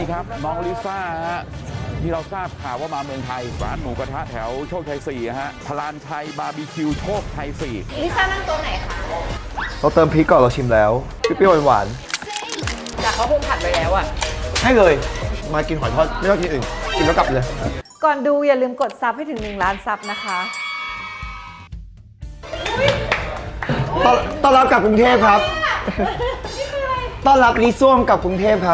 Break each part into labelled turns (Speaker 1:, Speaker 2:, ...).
Speaker 1: ครับน้องลิซ่าฮะที่เราทราบข่าวว่ามาเมืองไทยร้านหมูกระทะแถวโชคชัย4ฮะพลานชัยบาร์บีคิวโชคชัย4
Speaker 2: ลิซ่านั่งตัวไหนคะ
Speaker 3: เราเติมพริกก่อนเราชิมแล้วเปรี้ยวๆหวาน
Speaker 2: แต่เขาปรุงผัดไปแล้วอะ
Speaker 3: ๆให้เลย มากินหอยทอดไม่ต้องกินอื่นกินแล้วกลับเลย
Speaker 4: ก่อนดูอย่าลืมกดซับให้ถึง1 ล้านซับนะคะ
Speaker 3: ต้อนรับกลับกรุงเทพครับต้อนรับลิซ่วมกลับกรุงเทพครับ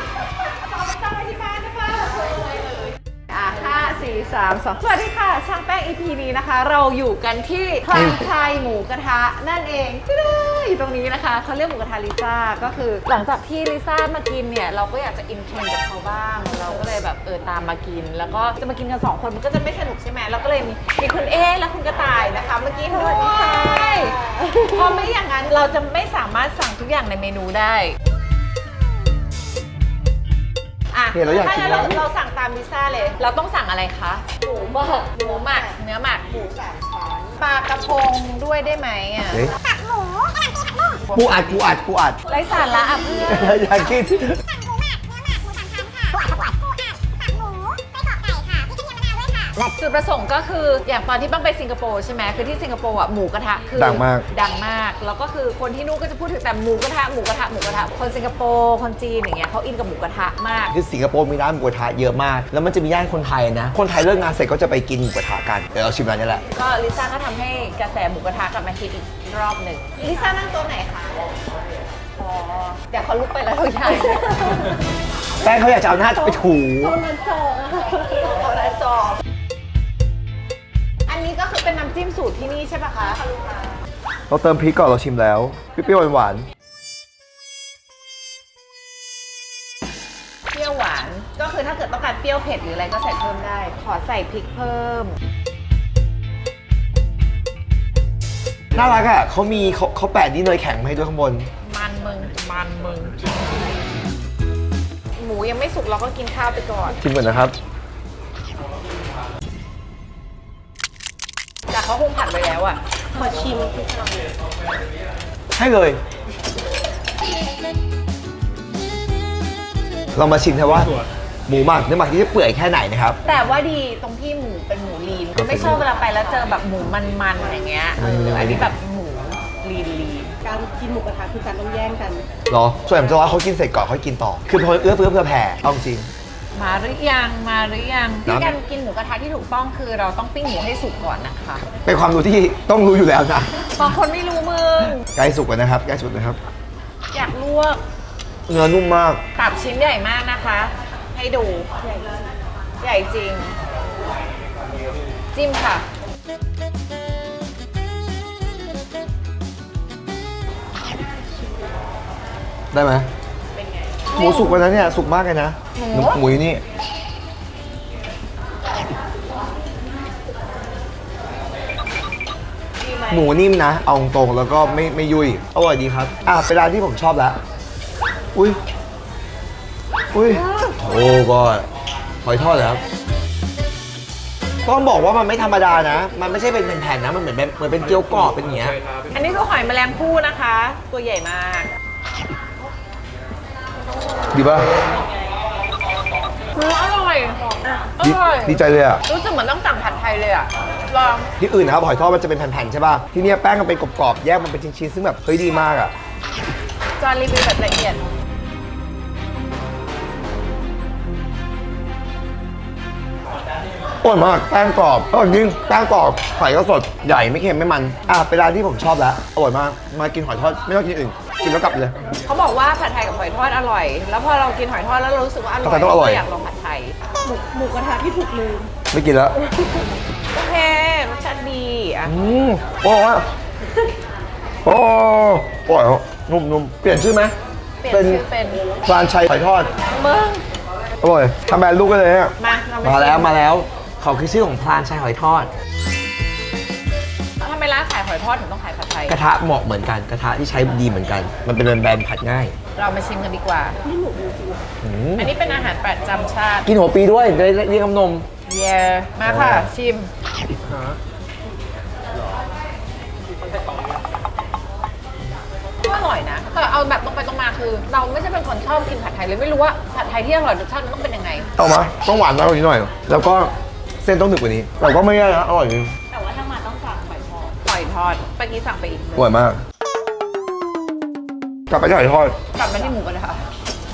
Speaker 4: 5 4 3 2 สวัสดีค่ะ ช่างแป้ง EP นี้นะคะ เราอยู่กันที่พลานชัยหมูกระทะนั่นเองอยู่ตรงนี้นะคะเขาเรียกหมูกระทะลิซ่าก็คือหลังจากที่ลิซ่ามากินเนี่ยเราก็อยากจะอินเทรนด์กับเขาบ้างเราก็เลยแบบตามมากิน แล้วก็จะมากินกัน2 คนมันก็จะไม่สนุกใช่ไหมเราก็เลยมีคุณเอและคุณกระต่ายนะคะเมื่อกี้ด้วยเพราะไม่อย่างนั้นเราจะไม่สามารถสั่งทุกอย่างในเมนูได้
Speaker 3: เนี่ยเราอยากกิน
Speaker 4: ถ้าเราสั่งตามลิซ่าเลย เราต้องสั่งอะไรคะ หมูหมักเนื้อหมักหมู3 ชั้นปลากระพงด้วยได้ไหมอ่ะ
Speaker 3: ตักหมูปูอัด
Speaker 4: ไร้สาระอ่ะเพื่อน
Speaker 3: อยากกิน
Speaker 4: จุดประสงค์ก็คืออย่างตอนที่บ้างไปสิงคโปร์ใช่ไหมคือที่สิงคโปร์อ่ะหมูกระทะคือ
Speaker 3: ดังมาก
Speaker 4: แล้วก็คือคนที่นู่นก็จะพูดถึงแต่หมูกระทะคนสิงคโปร์คนจีนอย่างเงี้ยเขาอินกับหมูกระทะมาก
Speaker 3: คือสิงคโปร์มีร้านหมูกระทะเยอะมาก แล้วมันจะมีย่านคนไทยนะ คนไทยเลิกงานเสร็จก็จะไปกินหมูกระทะกัน เดี๋ยวเราชิมร้านนี้แหละ
Speaker 4: ก็ลิซ่าก็ทำให้กระแสหมูกระทะกลับมาฮิตอีกรอบหนึ่งลิซ่านั่งตัวไหนคะอ๋อเดี๋ยวเขาลุกไปแล้วเราย้าย
Speaker 3: แป้งเขาอยากจะเอาหน้าไปถู
Speaker 4: เอาหน้าจออันนี้ก็คือเป็นน้ำจิ้มสูตรที่นี่ใช่ปะคะ
Speaker 3: เราเติมพริกก่อนเราชิมแล้วเปรี้ยวๆหวาน
Speaker 4: เปรี้ยวหวานก็คือถ้าเกิดต้องการเปรี้ยวเผ็ดหรืออะไรก็ใส่เพิ่มได้ ขอใส่พริกเพิ่ม
Speaker 3: ๆน่ารักอ่ะเขาแปะนี่เนยแข็งมาให้ด้วยข้างบน
Speaker 4: มันมึงหมูยังไม่สุกเราก็กินข้าวไปก่อน
Speaker 3: ชิมก่อนนะครับ
Speaker 4: แต่เขาคงผัดไปแล้วอ่ะขอชิม
Speaker 3: ให้เลย เรามาชิมกันว่าหมูหมักเนื้อหมักที่จะเปื่อยแค่ไหนนะครับ
Speaker 4: แต่ว่าดีตรงที่หมูเป็นหมูลีนไม่ชอบเวลาไปแล้วเจอแบบหมูมันๆอย่างเงี้ยอันนี้แบบหมูลีน
Speaker 5: การกินหมูกระทะคือการต้องแย่งกัน
Speaker 3: เหรอ ส่วนใหญ่ผมจะว่าเขากินเสร็จก่อนเขากินต่อ คือพอเอื้อเฟื้อแผ่เอาจริง
Speaker 4: มาหรือยังที่การกินหมูกระทะที่ถูกต้องคือเราต้องปิ้งหมูให้สุกก่อนนะคะ
Speaker 3: เป็นความรู้ที่ต้องรู้อยู่แล้วนะ
Speaker 4: บางคนไม่รู้มึง
Speaker 3: ใกล้สุกแล้วนะครับใกล้สุกนะครับ
Speaker 4: อยากลวก
Speaker 3: เนื้อนุ่มมาก
Speaker 4: ตับชิ้นใหญ่มากนะคะ ให้ดูใหญ่จริง จิ้มค่ะ
Speaker 3: ได้ไหม
Speaker 4: เป็นไง
Speaker 3: หมูสุกแล้วนะเนี่ยสุกมากเลยนะ หมูอยู่นี่หมูนิ่มนะ เอาตรงๆแล้วก็ไม่ยุ่ยอร่อยดีครับเป็นร้านที่ผมชอบแล้วอุ้ยโอ้ก็หอยทอดเลยครับต้องบอกว่ามันไม่ธรรมดานะ มันไม่ใช่เป็นแผ่นๆนะ มันเหมือนเป็นเกี๊ยวกรอบเป็นอย่างเงี้ย
Speaker 4: อันนี้คือหอยแมลงภู่นะคะ ตัวใหญ่มาก
Speaker 3: ดีป่ะ
Speaker 4: อร่อย
Speaker 3: ดีใจเลยอ่ะ
Speaker 4: รู้สึกเหมือนต้องสั่งผัดไทยเลยอ่ะ ลอง
Speaker 3: ที่อื่นนะครับหอยทอดมันจะเป็นแผ่นๆใช่ป่ะ ที่เนี้ยแป้งมันเป็นกรอบๆ แยกมันเป็นชิ้นๆ ซึ่งแบบเฮ้ยดีมากอ่ะ
Speaker 4: จานรีวิวแบบละเอียด
Speaker 3: อร่อยมาก แป้งกรอบอร่อยจริงแป้งกรอบไข่ก็สด ใหญ่ไม่เค็มไม่มัน เป็นร้านที่ผมชอบแล้ว อร่อยมาก มากินหอยทอดไม่ต้องกินอื่น กินแล้วกลับเลย
Speaker 4: เขาบอกว่าผัดไทยกับหอยทอดอร่อย แล้วพอเรากินหอยทอดแล้วเรารู้สึกว่าอร่อย
Speaker 3: ผัดไทยต้องอร่อย
Speaker 4: ก็อยากลองผัดไทย
Speaker 5: หมูกระทะที่ถูกลืม
Speaker 3: ไม่กินแล้ว
Speaker 4: โอเค รสชาติดีอ่ะ
Speaker 3: โอ้ยโอ้อร่อยครับนุ่มๆ เปลี่ยนชื่อไหม
Speaker 4: เปลี่ยนชื่อเป็น
Speaker 3: พลานชัยหอยทอด
Speaker 4: มึง
Speaker 3: อร่อยทำแบรนด์ลูกก็เลยเนี่ย
Speaker 4: มาเรา
Speaker 3: มาแล้วเขาคือชื่อของพลานชัยหอยทอด
Speaker 4: ทำไมร้านขายหอยทอดถึงต้องขายผัดไทย
Speaker 3: กระทะเหมาะเหมือนกัน กระทะที่ใช้ดีเหมือนกัน มันเป็นแบรนด์ผัดง่าย
Speaker 4: เรามาชิมกันดีกว่า อันนี้เป็นอาหารประจำชาติ
Speaker 3: กินหัวปีด้วยได้เรียกน้ำนม
Speaker 4: เย่มาค่ะ ชิม รร่อยนะแต่เอาแบบตรงไปตรงมาคือ เราไม่ใช่เป็นคนชอบกินผัดไทยเลยไม่รู้ว่าผัดไทยที่อร่อยรสชาติมันต้องเป็นยังไง
Speaker 3: เอามาต้องหวานมากกว่านี้หน่อย แล้วก็เส้นต้องหนึบกว่านี้แต่ก็ไม่แย่นะอร่อยจริง
Speaker 4: แต่ว่าถ้ามาต้องสั่งหอยทอดหอยทอดเมื่อกี้สั่งไปอีก
Speaker 3: อร่อยมาก กลับไปที่หอยทอด
Speaker 4: กลับมาที่หมูกระทะ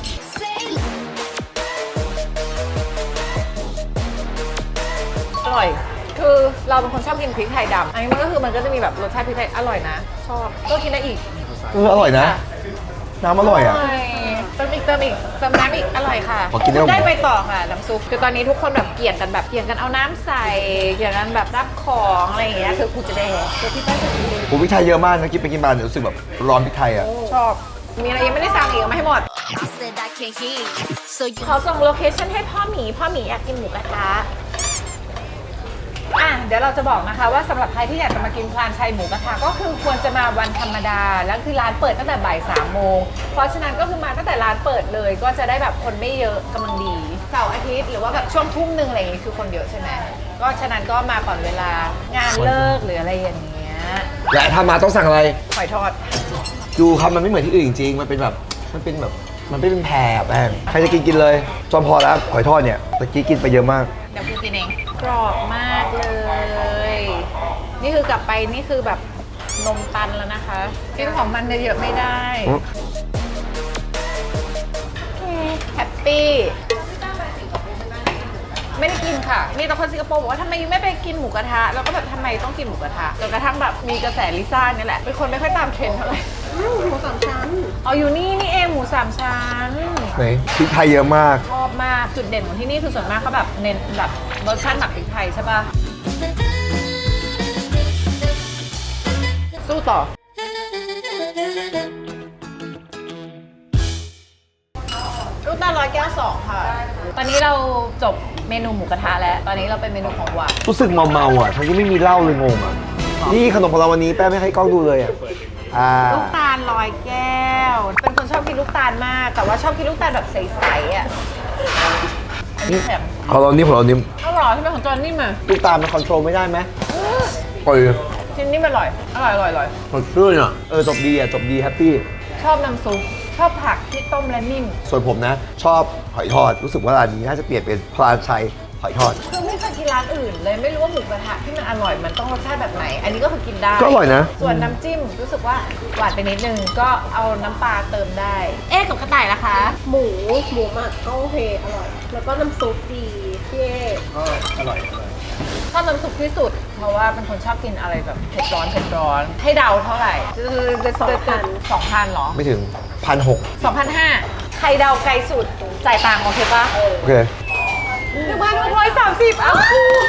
Speaker 4: อร่อย คือเราเป็นคนชอบกินพริกไทยดำอันนี้มันก็จะมีแบบรสชาติพริกไทยอร่อยนะ ชอบก็กินได้อีก
Speaker 3: อร่อยนะ น้ำอร่อยอ่ะ
Speaker 4: เติมอีกเติมน้ำอีกอร่อยค่ะ
Speaker 3: ขอกินได้ไหม
Speaker 4: ได้ไปต่อค่ะน้ำซุปคือตอนนี้ทุกคนแบบเกี่ยงกันเอาน้ำใส่เกี่ยงกันแบบรับของอะไรอย่างเงี้ยคือกูจะได้คือพี่ป้าจะกินเลย
Speaker 3: ผมพริกไทยเยอะมากนะกินไปกินมาเนี่ยรู้สึกแบบร้อนพริกไทยอ่ะ
Speaker 4: ชอบมีอะไรยังไม่ได้สั่งอีกเอามาให้หมด
Speaker 6: I said I can't hear you. So you
Speaker 4: ขอส่งโลเคชั่นให้พ่อหมีอยากกินหมูกระทะเดี๋ยวเราจะบอกนะคะว่าสำหรับใครที่อยากจะมากินพลานชัยหมูกระทะก็คือควรจะมาวันธรรมดาแล้วคือร้านเปิดตั้งแต่บ่าย3 โมงเพราะฉะนั้นก็คือมาตั้งแต่ร้านเปิดเลยก็จะได้แบบคนไม่เยอะกำลังดีเสาร์อาทิตย์หรือว่าแบบช่วงทุ่มนึงอะไรอย่างงี้คือคนเยอะใช่ไหมก็ฉะนั้นก็มาก่อนเวลางานเลิกหรืออะไรอย่างเงี้ย
Speaker 3: และถ้ามาต้องสั่งอะไร
Speaker 4: หอยทอด
Speaker 3: ดูครับมันไม่เหมือนที่อื่นจริงๆมันเป็นแพรแป้งใครจะกินเลยจอมพอแล้วหอยทอดเนี่ยตะกี้กินไปเยอะมาก
Speaker 4: เดี๋ยวกูกินเองกรอบมากเลย นี่คือกลับไปนี่คือแบบนมตันแล้วนะคะกินของมันเยอะๆไม่ได้แฮปปี้ไม่ได้กินค่ะมีแต่คนสิงคโปร์บอกว่าทำไมยูไม่ไปกินหมูกระทะแล้วก็แบบทำไมต้องกินหมูกระทะจนกระทั่งแบบมีกระแสลิซ่านี่แหละเป็นคนไม่ค่อยตามเทรนด์เท่าไหร่
Speaker 5: หมูสามชั้น
Speaker 4: เอาอยู่นี่เองหมู3 ชั้น
Speaker 3: ไหนพริกไทยเยอะมาก
Speaker 4: ชอบมากจุดเด่นของที่นี่คือส่วนมากเขาแบบเน้นแบบรสชาติหมักพริกไทยใช่ปะสู้ต่อลูกตาล100 แก้ว 2 ค่ะ ตอนนี้เราจบเมนูหมูกระทะแล้ว ตอนนี้เราเป็นเมนูของหวาน
Speaker 3: รู้สึกเมาๆอ่ะทั้งที่ไม่มีเหล้าเลยงงอ่ะนี่ขนมของเราวันนี้แป้ไม่ให้กล้องดูเลยอ่ะ
Speaker 4: ลูกตาล100 แก้ว เป็นคนชอบกินลูกตาลมาก แต่ว่าชอบกินลูกตาลแบบใสๆอ่ะอันนี้แข็ง
Speaker 3: ของเรานิ่ม
Speaker 4: อร่อยที่เป็นของจอนนี่มา
Speaker 3: ลูกตาลมันคอนโทรลไม่ได้ไหมปล่อย
Speaker 4: ชิ้นนี้มันอร่อย
Speaker 3: สดชื่นอ่ะจบดีอ่ะจบดีแฮปปี้
Speaker 4: ชอบน้ำซุป ชอบผักที่ต้มและนิ่ม
Speaker 3: ส่วนผมนะ ชอบหอยทอดรู้สึกว่าร้านนี้น่าจะเปลี่ยนเป็นพลานชัยหอยทอด
Speaker 4: คือไม่เคยกินร้านอื่นเลยไม่รู้ว่าหมูกระทะที่มันอร่อยมันต้องรสชาติแบบไหน อันนี้ก็คือกินได้
Speaker 3: ก็อร่อยนะ
Speaker 4: ส่วนน้ำจิ้มรู้สึกว่าหวานไปนิดนึงก็เอาน้ำปลาเติมได้ เอ๊ะกับกระต่ายนะคะ
Speaker 5: หมูหมักก็โอเคอร่อย แล้วก็น้ำซุปดีพี่เอ
Speaker 4: ชอบน้ำซุปที่สุด เพราะว่าเป็นคนชอบกินอะไรแบบเผ็ดร้อนให้เดาเท่าไหร่2,000เหรอ
Speaker 3: ไม่ถึง 1,600
Speaker 4: 2,500ใครเดาไกลสุดจ่ายตังค์โอเคปะ
Speaker 3: โอเค
Speaker 4: 1,630อ้าว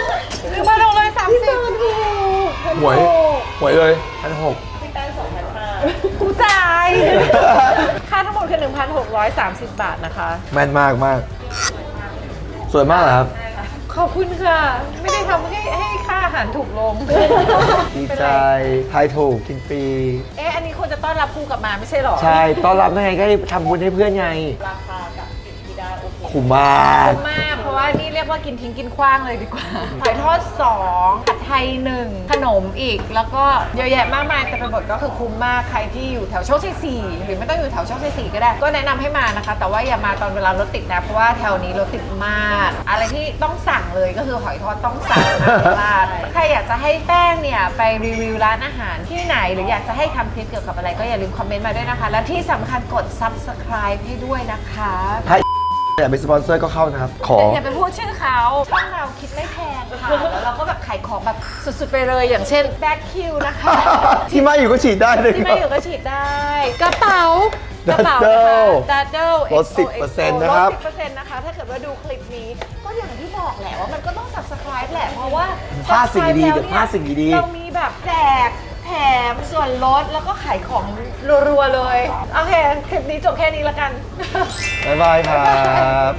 Speaker 4: 1,630
Speaker 3: หวยเลย 1,600
Speaker 4: กูจ่าย ค่าทั้งหมดคือ 1,630 บาทนะคะ
Speaker 3: แม่นมากสวยมากเหรอครับ
Speaker 4: ขอบคุณค่ะ ไม่ได้ทำให้ค่าอาหารถูกลง
Speaker 3: ดีใจทายถูกกินฟรี
Speaker 4: เอ๊ะ อันนี้ควรจะต้อนรับครูกลับมาไม่ใช่หรอ
Speaker 3: ใช่ต้อนรับยังไงก็ได้ทำบุญให้เพื่อนไง
Speaker 4: ราคากับสิ่งที่ได้โอเค
Speaker 3: คุ้มมาก
Speaker 4: คุ้มมาก เพราะว่านี่เรียกว่ากินทิ้งกินขว้างเลยดีกว่าหอยทอด2ผัดไทย1ขนมอีก แล้วก็เยอะแยะมากมายแต่เป็นบทก็คือคุ้มมาก ใครที่อยู่แถวโชคชัย4หรือไม่ต้องอยู่แถวโชคชัย4ก็ได้ ก็แนะนำให้มานะคะ แต่ว่าอย่ามาตอนเวลารถติดนะ เพราะว่าแถวนี้รถติดมาก อะไรที่ต้องสั่งเลยก็คือหอยทอดต้องสั่งนะพลาดใครอยากจะให้แป้งเนี่ยไปรีวิวร้านอาหารที่ไหน หรืออยากจะให้ทำคลิปเกี่ยวกับอะไรก็อย่าลืมคอมเมนต์มาด้วยนะคะ และที่สำคัญกด subscribe ให้ด้วยนะคะ
Speaker 3: ถ้าอยากเป็นสปอนเซอร์ก็เข้านะครับ ขอ
Speaker 4: อย่าไปพูดชื่อเขาช่องเราคิดไม่แพงค่ะแล้วเราก็แบบขายของแบบสุดๆไปเลยอย่างเช่นแบ็คคิวนะคะ
Speaker 3: ที่มาอยู่ก็ฉีดได้เลย
Speaker 4: ที่
Speaker 3: ค
Speaker 4: ไม่
Speaker 3: รับ
Speaker 4: อยู่ก็ฉีดได้ กระเป๋ากระเป๋า
Speaker 3: Daddle
Speaker 4: ดัดเดิล
Speaker 3: ลด10%นะครับ
Speaker 4: ลด 10% นะคะ ถ้าเกิดว่าดูคลิปนี้ ก็อย่างที่บอกแหละว่ามันก็ต้อง subscribe แหละ เพราะว่า
Speaker 3: พลาดสิ่งดีๆ
Speaker 4: subscribe
Speaker 3: กับพลาดสิ่งดีๆ
Speaker 4: เรามีแบบแจกแถมส่วนลดแล้วก็ขายของรัวๆเลย โอเค คลิปนี้จบแค่นี้ละกัน
Speaker 3: บ๊ายบายครับ